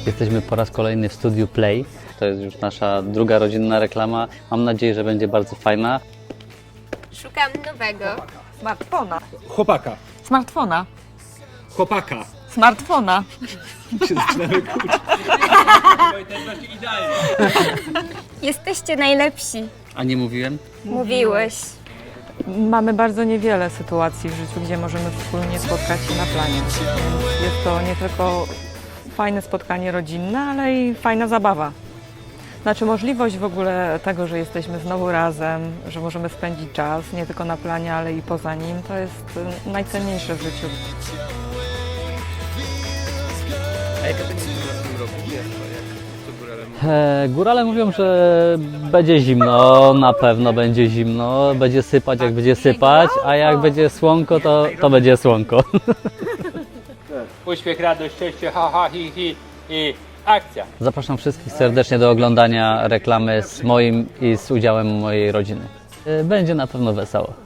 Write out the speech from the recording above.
Jesteśmy po raz kolejny w studiu Play. To jest już nasza druga rodzinna reklama. Mam nadzieję, że będzie bardzo fajna. Szukam nowego. Smartfona. Chłopaka. Smartfona. Chłopaka. Smartfona. Się zaczynamy kłócić. Jesteście najlepsi. A nie mówiłem? Mówiłeś. Mamy bardzo niewiele sytuacji w życiu, gdzie możemy wspólnie spotkać się na planie. Więc jest to nie tylko fajne spotkanie rodzinne, ale i fajna zabawa. Znaczy możliwość w ogóle tego, że jesteśmy znowu razem, że możemy spędzić czas nie tylko na planie, ale i poza nim, to jest najcenniejsze w życiu. Górale mówią, że będzie zimno, na pewno będzie zimno, będzie sypać jak będzie sypać, a jak będzie słonko, to będzie słonko. Uśmiech, radość, szczęście, ha, ha, hi, hi i akcja. Zapraszam wszystkich serdecznie do oglądania reklamy z moim i z udziałem mojej rodziny. Będzie na pewno wesoło.